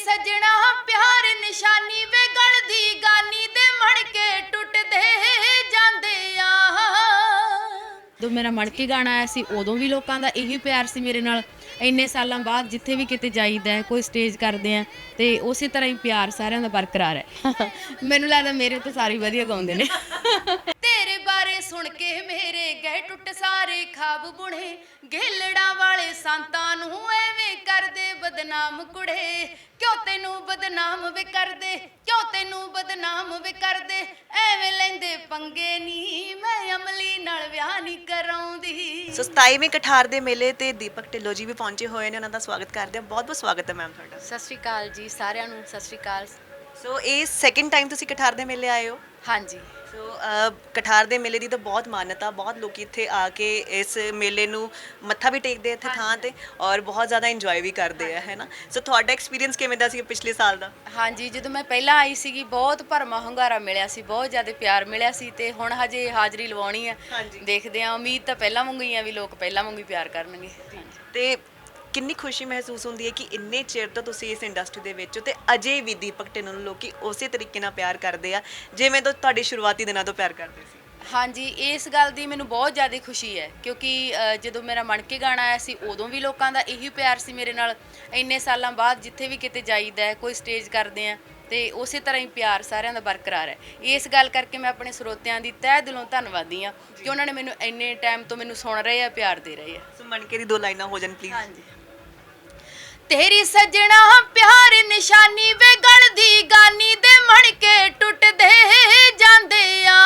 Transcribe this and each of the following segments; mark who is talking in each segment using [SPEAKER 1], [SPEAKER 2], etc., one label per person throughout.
[SPEAKER 1] ਸੱਜਣਾ ਪਿਆਰ ਨਿਸ਼ਾਨੀ ਵੇ ਗਲ ਦੀ ਗਾਨੀ ਦੇ ਮਣ ਕੇ ਟੁੱਟਦੇ ਜਾਂਦੇ ਆ।
[SPEAKER 2] ਜਦੋਂ ਮੇਰਾ ਮਣਕੇ ਗਾਣਾ ਆਇਆ ਸੀ ਉਦੋਂ ਵੀ ਲੋਕਾਂ ਦਾ ਇਹੀ ਪਿਆਰ ਸੀ ਮੇਰੇ ਨਾਲ। ਇੰਨੇ ਸਾਲਾਂ ਬਾਅਦ ਜਿੱਥੇ ਵੀ ਕਿਤੇ ਜਾਈਦਾ ਹੈ, ਕੋਈ ਸਟੇਜ ਕਰਦੇ ਆ ਤੇ ਉਸੇ ਤਰ੍ਹਾਂ ਹੀ ਪਿਆਰ ਸਾਰਿਆਂ ਦਾ ਬਰਕਰਾਰ ਹੈ। ਮੈਨੂੰ ਲੱਗਦਾ ਮੇਰੇ ਤੋਂ ਸਾਰੇ ਵਧੀਆ ਗਾਉਂਦੇ ਨੇ।
[SPEAKER 1] ਤੇਰੇ ਬਾਰੇ ਸੁਣ ਕੇ ਮੇਰੇ ਗਹਿ ਟੁੱਟ ਸਾਰੇ ਖਾਬ ਬੁਣੇ, ਗੇਲੜਾਂ ਵਾਲੇ ਸੰਤਾਂ ਨੂੰ ਐਵੇਂ ਕਰਦੇ ਬਦਨਾਮ ਕੁੜੇ। ਕਿਉਂ ਤੈਨੂੰ ਬਦਨਾਮ ਵੇ ਕਰਦੇ, ਕਿਉਂ ਤੈਨੂੰ ਬਦਨਾਮ ਵੇ ਕਰਦੇ, ਐਵੇਂ ਲੈਂਦੇ ਪੰਗੇ ਨੀ ਮੈਂ ਅਮਲੀ ਨਾਲ ਵਿਆਹ ਨਹੀਂ ਕਰਾਉਂਦੀ।
[SPEAKER 3] ਸੋ 27ਵੇਂ ਕਠਾਰ ਦੇ ਮੇਲੇ ਤੇ ਦੀਪਕ ਢਿੱਲੋਂ ਜੀ ਵੀ ਪਹੁੰਚੇ ਹੋਏ ਨੇ, ਉਹਨਾਂ ਦਾ ਸਵਾਗਤ ਕਰਦੇ ਹਾਂ। ਬਹੁਤ ਬਹੁਤ ਸਵਾਗਤ ਹੈ ਮੈਮ ਤੁਹਾਡਾ।
[SPEAKER 2] ਸਤਿ ਸ਼੍ਰੀ ਅਕਾਲ ਜੀ ਸਾਰਿਆਂ ਨੂੰ, ਸਤਿ ਸ਼੍ਰੀ ਅਕਾਲ।
[SPEAKER 3] ਸੋ ਇਹ ਸੈਕਿੰਡ ਟਾਈਮ ਤੁਸੀਂ ਕਠਾਰ ਦੇ ਮੇਲੇ ਆਏ ਹੋ।
[SPEAKER 2] ਹਾਂਜੀ,
[SPEAKER 3] ਸੋ ਕਠਾਰ ਦੇ ਮੇਲੇ ਦੀ ਤਾਂ ਬਹੁਤ ਮਾਨਤਾ, ਬਹੁਤ ਲੋਕ ਇੱਥੇ ਆ ਕੇ ਇਸ ਮੇਲੇ ਨੂੰ ਮੱਥਾ ਵੀ ਟੇਕਦੇ ਇੱਥੇ ਥਾਂ ਤੇ ਔਰ ਬਹੁਤ ਜ਼ਿਆਦਾ ਇੰਜੋਏ ਵੀ ਕਰਦੇ ਆ, ਹੈ ਨਾ। ਸੋ ਤੁਹਾਡਾ ਐਕਸਪੀਰੀਅੰਸ ਕਿਵੇਂ ਦਾ ਸੀ ਪਿਛਲੇ ਸਾਲ ਦਾ?
[SPEAKER 2] ਹਾਂਜੀ, ਜਦੋਂ ਮੈਂ ਪਹਿਲਾਂ ਆਈ ਸੀਗੀ ਬਹੁਤ ਭਰਮਾ ਹੁੰਗਾਰਾ ਮਿਲਿਆ ਸੀ, ਬਹੁਤ ਜ਼ਿਆਦਾ ਪਿਆਰ ਮਿਲਿਆ ਸੀ ਤੇ ਹੁਣ ਹਜੇ ਹਾਜ਼ਰੀ ਲਵਾਉਣੀ ਆ। ਦੇਖਦੇ ਆ, ਉਮੀਦ ਤਾਂ ਪਹਿਲਾਂ ਵਾਂਗੂ ਹੀ ਆ ਵੀ ਲੋਕ ਪਹਿਲਾਂ ਵਾਂਗੂ ਹੀ ਪਿਆਰ ਕਰਨਗੇ।
[SPEAKER 3] ਤੇ ਕਿੰਨੀ ਖੁਸ਼ੀ ਮਹਿਸੂਸ ਹੁੰਦੀ ਹੈ ਕਿ ਇੰਨੇ ਚਿਰ ਤੋਂ ਤੁਸੀਂ ਇਸ ਇੰਡਸਟਰੀ ਦੇ ਵਿੱਚ ਹੋ ਤੇ ਅਜੇ ਵੀ ਦੀਪਕ ਢਿੱਲੋਂ ਨੂੰ ਲੋਕੀ ਉਸੇ ਤਰੀਕੇ ਨਾਲ ਪਿਆਰ ਕਰਦੇ ਆ ਜਿਵੇਂ ਤੋਂ ਤੁਹਾਡੇ ਸ਼ੁਰੂਆਤੀ ਦਿਨਾਂ ਤੋਂ ਪਿਆਰ ਕਰਦੇ ਸੀ।
[SPEAKER 2] ਹਾਂਜੀ, ਇਸ ਗੱਲ ਦੀ ਮੈਨੂੰ ਬਹੁਤ ਜ਼ਿਆਦਾ ਖੁਸ਼ੀ ਹੈ ਕਿਉਂਕਿ ਜਦੋਂ ਮੇਰਾ ਮਣਕੇ ਗਾਣਾ ਆਇਆ ਸੀ ਉਦੋਂ ਵੀ ਲੋਕਾਂ ਦਾ ਇਹੀ ਪਿਆਰ ਸੀ ਮੇਰੇ ਨਾਲ। ਇੰਨੇ ਸਾਲਾਂ ਬਾਅਦ ਜਿੱਥੇ ਵੀ ਕਿਤੇ ਜਾਈਦਾ ਹੈ, ਕੋਈ ਸਟੇਜ ਕਰਦੇ ਆ ਤੇ ਉਸੇ ਤਰ੍ਹਾਂ ਹੀ ਪਿਆਰ ਸਾਰਿਆਂ ਦਾ ਬਰਕਰਾਰ ਹੈ। ਇਸ ਗੱਲ ਕਰਕੇ ਮੈਂ ਆਪਣੇ ਸਰੋਤਿਆਂ ਦੀ ਤਹਿ ਦਿਲੋਂ ਧੰਨਵਾਦੀ ਹਾਂ ਕਿ ਉਹਨਾਂ ਨੇ ਮੈਨੂੰ ਇੰਨੇ ਟਾਈਮ ਤੋਂ ਮੈਨੂੰ ਸੁਣ ਰਹੇ ਆ, ਪਿਆਰ ਦੇ ਰਹੇ ਆ।
[SPEAKER 3] ਸੋ ਮਣਕੇ ਦੀ 2 ਲਾਈਨਾਂ ਹੋ ਜਾਣ ਪਲੀਜ਼।
[SPEAKER 2] ਹਾਂਜੀ।
[SPEAKER 1] ਤੇਰੀ ਸੱਜਣਾ ਪਿਆਰ ਨਿਸ਼ਾਨੀ ਵੇ ਗਲ ਦੀ ਗਾਨੀ ਦੇ ਮਣ ਕੇ ਟੁੱਟਦੇ ਜਾਂਦੇ ਆ।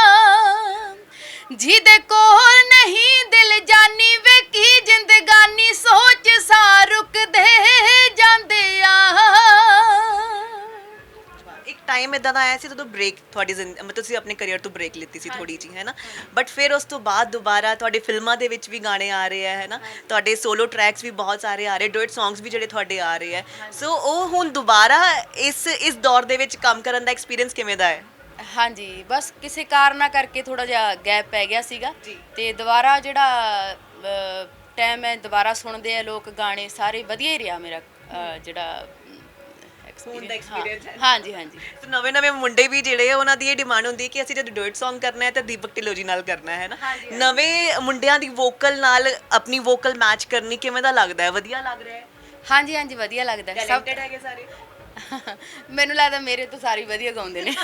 [SPEAKER 1] ਜਿਹਦੇ ਕੋਲ ਨਹੀਂ ਦਿਲ ਜਾਨੀ ਵੇ ਕੀ ਜ਼ਿੰਦਗਾਨੀ ਸੋਚ ਸਾ ਰੁਕਦੇ ਜਾਂਦੇ ਆ।
[SPEAKER 3] ਇੱਕ ਟਾਈਮ ਇਦਾਂ ਦਾ ਆਇਆ ਸੀ ਜਦੋਂ ਬ੍ਰੇਕ ਤੁਹਾਡੀ ਮਤਲਬ ਤੁਸੀਂ ਆਪਣੇ ਕੈਰੀਅਰ ਤੋਂ ਬ੍ਰੇਕ ਲਿੱਤੀ ਸੀ ਥੋੜੀ ਜੀ, ਹੈ ਨਾ। ਬਟ ਫਿਰ ਉਸ ਤੋਂ ਬਾਅਦ ਦੁਬਾਰਾ ਤੁਹਾਡੇ ਫਿਲਮਾਂ ਦੇ ਵਿੱਚ ਵੀ ਗਾਣੇ ਆ ਰਹੇ ਆ, ਹੈ ਨਾ। ਤੁਹਾਡੇ ਸੋਲੋ ਟਰੈਕਸ ਵੀ ਬਹੁਤ ਸਾਰੇ ਆ ਰਹੇ, ਡੁਇਟ ਸੌਂਗਸ ਵੀ ਜਿਹੜੇ ਤੁਹਾਡੇ ਆ ਰਹੇ ਆ। ਸੋ ਉਹ ਹੁਣ ਦੁਬਾਰਾ ਇਸ ਦੌਰ ਦੇ ਵਿੱਚ ਕੰਮ ਕਰਨ ਦਾ ਐਕਸਪੀਰੀਅੰਸ ਕਿਵੇਂ ਦਾ ਹੈ?
[SPEAKER 2] ਹਾਂਜੀ, ਬਸ ਕਿਸੇ ਕਾਰਨਾਂ ਕਰਕੇ ਥੋੜਾ ਜਿਹਾ ਗੈਪ ਪੈ ਗਿਆ ਸੀਗਾ ਤੇ ਦੁਬਾਰਾ ਜਿਹੜਾ ਟਾਈਮ ਹੈ ਦੁਬਾਰਾ ਸੁਣਦੇ ਆ ਲੋਕ ਗਾਣੇ, ਸਾਰੇ ਵਧੀਆ ਹੀ ਰਿਹਾ ਮੇਰਾ ਜਿਹੜਾ
[SPEAKER 3] ਐਕਸਪੀਰੀਅੰਸ ਹੈ।
[SPEAKER 2] ਹਾਂਜੀ ਹਾਂਜੀ।
[SPEAKER 3] ਤੇ ਨਵੇਂ ਮੁੰਡੇ ਵੀ ਜਿਹੜੇ ਉਹਨਾਂ ਦੀ ਇਹ ਡਿਮਾਂਡ ਹੁੰਦੀ ਹੈ ਕਿ ਅਸੀਂ ਜਦ ਡੁਇਟ Song ਕਰਨਾ ਹੈ ਤਾਂ ਦੀਪਕ ਢਿੱਲੋਂ ਜੀ ਨਾਲ ਕਰਨਾ ਹੈ ਨਾ। ਨਵੇਂ ਮੁੰਡਿਆਂ ਦੀ ਵੋਕਲ ਨਾਲ ਆਪਣੀ ਵੋਕਲ ਮੈਚ ਕਰਨੀ ਕਿਵੇਂ ਦਾ ਲੱਗਦਾ ਹੈ? ਵਧੀਆ ਲੱਗ ਰਿਹਾ ਹੈ?
[SPEAKER 2] ਹਾਂਜੀ ਹਾਂਜੀ, ਵਧੀਆ ਲੱਗਦਾ।
[SPEAKER 3] ਟੈਲੈਂਟਡ ਹੈਗੇ ਸਾਰੇ?
[SPEAKER 2] ਮੈਨੂੰ ਲੱਗਦਾ ਮੇਰੇ ਤੋਂ ਸਾਰੇ ਵਧੀਆ ਗਾਉਂਦੇ ਨੇ।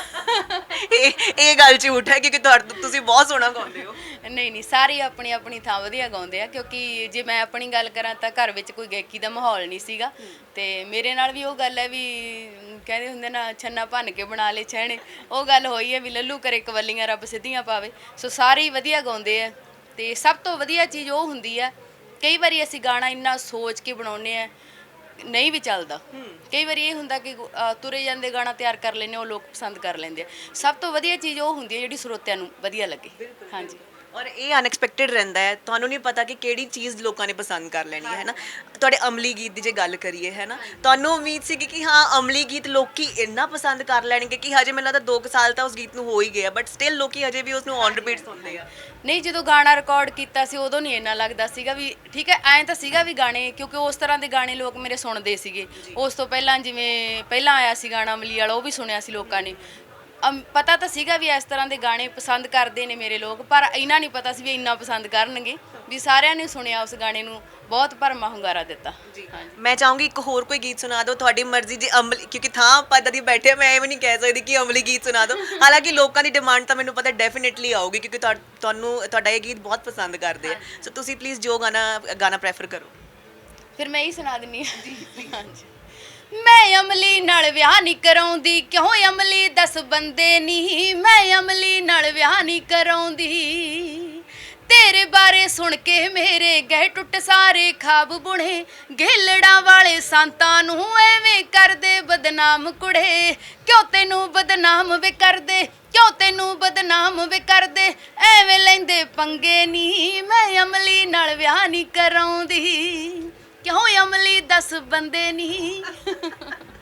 [SPEAKER 3] ਇਹ ਗੱਲ ਝੂਠ ਹੈ ਕਿਉਂਕਿ ਤੁਸੀਂ ਬਹੁਤ ਸੋਹਣਾ ਗਾਉਂਦੇ ਹੋ।
[SPEAKER 2] ਨਹੀਂ ਨਹੀਂ, ਸਾਰੇ ਆਪਣੀ ਆਪਣੀ ਥਾਂ ਵਧੀਆ ਗਾਉਂਦੇ ਆ ਕਿਉਂਕਿ ਜੇ ਮੈਂ ਆਪਣੀ ਗੱਲ ਕਰਾਂ ਤਾਂ ਘਰ ਵਿੱਚ ਕੋਈ ਗਾਇਕੀ ਦਾ ਮਾਹੌਲ ਨਹੀਂ ਸੀਗਾ ਤੇ ਮੇਰੇ ਨਾਲ ਵੀ ਉਹ ਗੱਲ ਹੈ ਵੀ ਕਹਿੰਦੇ ਹੁੰਦੇ ਨਾ ਛੰਨਾ ਭੰਨ ਕੇ ਬਣਾ ਲਏ ਛਹਿਣੇ, ਉਹ ਗੱਲ ਹੋਈ ਹੈ ਵੀ ਲੱਲੂ ਕਰੇ ਕਵੱਲੀਆਂ ਰੱਬ ਸਿੱਧੀਆਂ ਪਾਵੇ। ਸੋ ਸਾਰੇ ਹੀ ਵਧੀਆ ਗਾਉਂਦੇ ਆ ਤੇ ਸਭ ਤੋਂ ਵਧੀਆ ਚੀਜ਼ ਉਹ ਹੁੰਦੀ ਆ ਕਈ ਵਾਰੀ ਅਸੀਂ ਗਾਣਾ ਇੰਨਾ ਸੋਚ ਕੇ ਬਣਾਉਂਦੇ ਆ ਨਹੀਂ ਵੀ ਚੱਲਦਾ। ਕਈ ਵਾਰੀ ਇਹ ਹੁੰਦਾ ਕਿ ਤੁਰੇ ਜਾਂਦੇ ਗਾਣਾ ਤਿਆਰ ਕਰ ਲੈਂਦੇ, ਉਹ ਲੋਕ ਪਸੰਦ ਕਰ ਲੈਂਦੇ ਆ। ਸਭ ਤੋਂ ਵਧੀਆ ਚੀਜ਼ ਉਹ ਹੁੰਦੀ ਹੈ ਜਿਹੜੀ ਸਰੋਤਿਆਂ ਨੂੰ ਵਧੀਆ ਲੱਗੇ। ਹਾਂਜੀ,
[SPEAKER 3] ਔਰ ਇਹ ਅਨਐਕਸਪੈਕਟਡ ਰਹਿੰਦਾ ਹੈ, ਤੁਹਾਨੂੰ ਨਹੀਂ ਪਤਾ ਕਿ ਕਿਹੜੀ ਚੀਜ਼ ਲੋਕਾਂ ਨੇ ਪਸੰਦ ਕਰ ਲੈਣੀ ਹੈ ਨਾ। ਤੁਹਾਡੇ ਅਮਲੀ ਗੀਤ ਦੀ ਜੇ ਗੱਲ ਕਰੀਏ, ਹੈ ਨਾ, ਤੁਹਾਨੂੰ ਉਮੀਦ ਸੀ ਕਿ ਹਾਂ ਅਮਲੀ ਗੀਤ ਲੋਕੀ ਇੰਨਾ ਪਸੰਦ ਕਰ ਲੈਣਗੇ ਕਿ ਹਜੇ ਮੈਨੂੰ ਲੱਗਦਾ 2 ਸਾਲ ਤਾਂ ਉਸ ਗੀਤ ਨੂੰ ਹੋ ਹੀ ਗਿਆ ਬਟ ਸਟਿਲ ਲੋਕੀ ਹਜੇ ਵੀ ਉਸ ਨੂੰ ਔਨ ਰਿਪੀਟ ਸੁਣਦੇ ਆ।
[SPEAKER 2] ਨਹੀਂ, ਜਦੋਂ ਗਾਣਾ ਰਿਕਾਰਡ ਕੀਤਾ ਸੀ ਉਦੋਂ ਨਹੀਂ ਇੰਨਾ ਲੱਗਦਾ ਸੀਗਾ ਵੀ ਠੀਕ ਹੈ, ਐਂ ਤਾਂ ਸੀਗਾ ਵੀ ਗਾਣੇ ਕਿਉਂਕਿ ਉਸ ਤਰ੍ਹਾਂ ਦੇ ਗਾਣੇ ਲੋਕ ਮੇਰੇ ਸੁਣਦੇ ਸੀਗੇ। ਉਸ ਤੋਂ ਪਹਿਲਾਂ ਜਿਵੇਂ ਪਹਿਲਾਂ ਆਇਆ ਸੀ ਗਾਣਾ ਅਮਲੀ ਵਾਲਾ, ਉਹ ਵੀ ਸੁਣਿਆ ਸੀ ਲੋਕਾਂ ਨੇ। ਪਤਾ ਤਾਂ ਸੀਗਾ ਵੀ ਇਸ ਤਰ੍ਹਾਂ ਦੇ ਗਾਣੇ ਪਸੰਦ ਕਰਦੇ ਨੇ ਮੇਰੇ ਲੋਕ, ਪਰ ਇੰਨਾ ਨਹੀਂ ਪਤਾ ਸੀ ਵੀ ਇੰਨਾ ਪਸੰਦ ਕਰਨਗੇ। ਵੀ ਸਾਰਿਆਂ ਨੇ ਸੁਣਿਆ ਉਸ ਗਾਣੇ ਨੂੰ, ਬਹੁਤ ਭਰਮਾ ਹੁੰਗਾਰਾ ਦਿੱਤਾ।
[SPEAKER 3] ਮੈਂ ਚਾਹੂੰਗੀ ਇੱਕ ਹੋਰ ਕੋਈ ਗੀਤ ਸੁਣਾ ਦਿਓ, ਤੁਹਾਡੀ ਮਰਜ਼ੀ। ਜੇ ਅਮਲੀ, ਕਿਉਂਕਿ ਥਾਂ ਆਪਾਂ ਇੱਦਾਂ ਦੀ ਬੈਠੇ ਆ, ਮੈਂ ਇਹ ਵੀ ਨਹੀਂ ਕਹਿ ਸਕਦੀ ਕਿ ਅਮਲੀ ਗੀਤ ਸੁਣਾ ਦਿਓ। ਹਾਲਾਂਕਿ ਲੋਕਾਂ ਦੀ ਡਿਮਾਂਡ ਤਾਂ ਮੈਨੂੰ ਪਤਾ ਡੈਫੀਨੇਟਲੀ ਆਊਗੀ ਕਿਉਂਕਿ ਤੁਹਾਡਾ ਇਹ ਗੀਤ ਬਹੁਤ ਪਸੰਦ ਕਰਦੇ ਆ। ਸੋ ਤੁਸੀਂ ਪਲੀਜ਼ ਜੋ ਗਾਣਾ ਪ੍ਰੈਫਰ ਕਰੋ।
[SPEAKER 2] ਫਿਰ ਮੈਂ ਹੀ ਸੁਣਾ ਦਿੰਦੀ ਹਾਂ। ਹਾਂਜੀ। ਮੈਂ ਅਮਲੀ ਨਾਲ ਵਿਆਹ ਨਹੀਂ ਕਰਾਉਂਦੀ, ਕਿਉਂ ਅਮਲੀ 10 ਬੰਦੇ ਨਹੀਂ, ਮੈਂ ਅਮਲੀ ਨਾਲ ਵਿਆਹ ਨਹੀਂ ਕਰਾਉਂਦੀ। ਤੇਰੇ ਬਾਰੇ ਸੁਣ ਕੇ ਮੇਰੇ ਗਹਿ ਟੁੱਟ ਸਾਰੇ ਖਾਬ ਬੁਣੇ, ਗੇਲੜਾਂ ਵਾਲੇ ਸੰਤਾਂ ਨੂੰ ਐਵੇਂ ਕਰਦੇ ਬਦਨਾਮ ਕੁੜੇ। ਕਿਉਂ ਤੈਨੂੰ ਬਦਨਾਮ ਵੇ ਕਰਦੇ, ਕਿਉਂ ਤੈਨੂੰ ਬਦਨਾਮ ਵੇ ਕਰਦੇ, ਐਵੇਂ ਲੈਂਦੇ ਪੰਗੇ ਨਹੀਂ ਮੈਂ ਅਮਲੀ ਨਾਲ ਵਿਆਹ ਨਹੀਂ ਕਰਾਉਂਦੀ। ਕਿਉਂ ਅਮਲੀ 10 ਬੰਦੇ ਨਹੀਂ।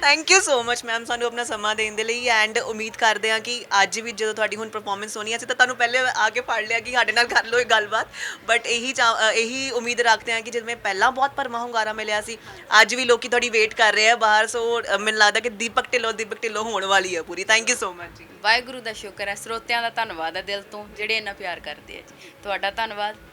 [SPEAKER 3] Thank you so much ma'am ਸਾਨੂੰ ਆਪਣਾ ਸਮਾਂ ਦੇਣ ਦੇ ਲਈ ਐਂਡ ਉਮੀਦ ਕਰਦੇ ਹਾਂ ਕਿ ਅੱਜ ਵੀ ਜਦੋਂ ਤੁਹਾਡੀ ਹੁਣ ਪਰਫਾਰਮੈਂਸ ਹੋਣੀ ਸੀ ਤਾਂ ਤੁਹਾਨੂੰ ਪਹਿਲੇ ਆ ਕੇ ਫੜ ਲਿਆ ਕਿ ਸਾਡੇ ਨਾਲ ਕਰ ਲਓ ਇਹ ਗੱਲਬਾਤ ਬਟ ਇਹੀ ਉਮੀਦ ਰੱਖਦੇ ਹਾਂ ਕਿ ਜਿਵੇਂ ਪਹਿਲਾਂ ਬਹੁਤ ਭਰਮਾ ਹੁੰਗਾਰਾ ਮਿਲਿਆ ਸੀ ਅੱਜ ਵੀ ਲੋਕੀ ਤੁਹਾਡੀ ਵੇਟ ਕਰ ਰਹੇ ਆ ਬਾਹਰ ਸੋ ਮੈਨੂੰ ਲੱਗਦਾ ਕਿ ਦੀਪਕ ਢਿੱਲੋਂ ਹੋਣ ਵਾਲੀ ਹੈ ਪੂਰੀ ਥੈਂਕ ਯੂ ਸੋ ਮਚ ਜੀ
[SPEAKER 2] ਵਾਹਿਗੁਰੂ ਦਾ ਸ਼ੁਕਰ ਹੈ, ਸਰੋਤਿਆਂ ਦਾ ਧੰਨਵਾਦ ਹੈ ਦਿਲ ਤੋਂ ਜਿਹੜੇ ਇੰਨਾ ਪਿਆਰ ਕਰਦੇ ਆ ਜੀ। ਤੁਹਾਡਾ ਧੰਨਵਾਦ।